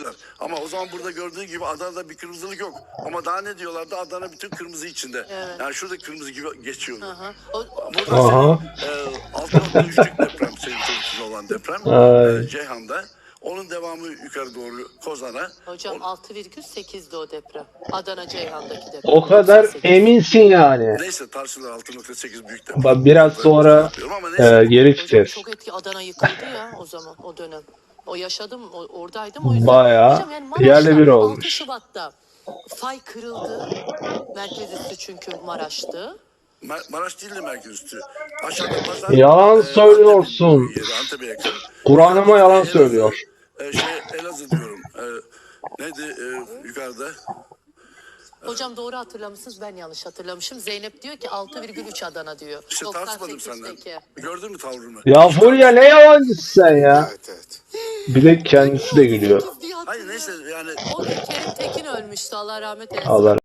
olabilirler. Ama o zaman burada gördüğün gibi Adana'da bir kırmızılık yok. Ama daha ne diyorlardı? Adana bütün kırmızı içinde. Evet. Yani şurada kırmızı gibi geçiyordu. Aha. Burada Aha. senin 6.3'lük deprem, senin çocukluğunda olan deprem Ay. Ceyhan'da. Onun devamı yukarı doğru Kozan'a. Hocam 6,8'di o deprem. Adana Ceyhan'daki deprem. O kadar 98. eminsin yani. Neyse tartışılır 6.8 büyük deprem. Biraz sonra Ama neyse. geri Hocam çıkacağız. çok etki. Adana yıkıldı ya o zaman, o dönem. O yaşadım, oradaydım o yüzden. Bayağı Hocam yani yerle bir Maraş'ta 6 olmuş. Şubat'ta fay kırıldı. Merkez üssü çünkü Maraş'tı. Maraş değil de merkez üstü. Aşağıda pazar. Yalan söylüyorsun. Antep'e yakın. Kur'an'ıma yalan Elazığ, söylüyor. Elazığ diyorum. Neydi yukarıda? Hocam doğru hatırlamışsınız, ben yanlış hatırlamışım. Zeynep diyor ki 6,3 Adana diyor. İşte tartışmadım senden. 98'deki. Gördün mü tavrımı? Ya Fulya ne yalancısın sen ya. Evet evet. Bir de kendisi de gülüyor. Diye Hayır hatırlıyorum. neyse yani O gün Kerim Tekin ölmüştü, Allah rahmet eylesin. Allah